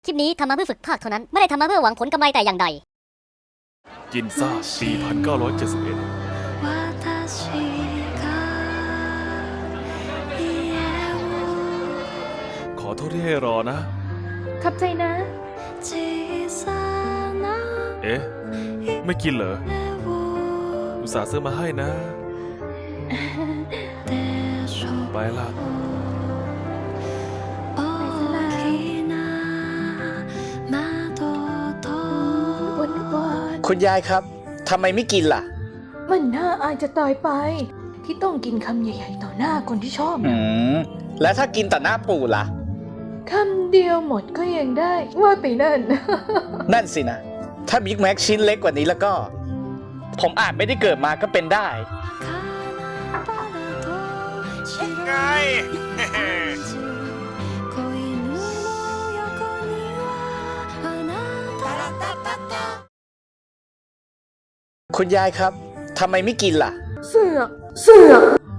คลิปนี้ทำมาเพื่อฝึกภาคเท่านั้น ไม่ได้ทำมาเพื่อหวังผลกำไรแต่อย่างใดกินซ่าปี 1971 ขอโทษที่ให้รอนะขับใจนะเอ๊ะ ไม่กินเหรอ อุตส่าห์ซื้อมาให้นะ ไปละคุณยายครับทำไมไม่กินล่ะมันน่าอายจะตายไป ที่ต้องกินคำใหญ่ๆต่อหน้าคนที่ชอบนะแล้วถ้ากินต่อหน้าปู่ล่ะคำเดียวหมดก็ยังได้ว่าไปนั่นนั่นสินะ ถ้าบิ๊กแม็กชิ้นเล็กกว่านี้แล้วก็ ผมอาจไม่ได้เกิดมาก็เป็นได้ไงคุณยายครับทำไมไม่กินล่ะเสือก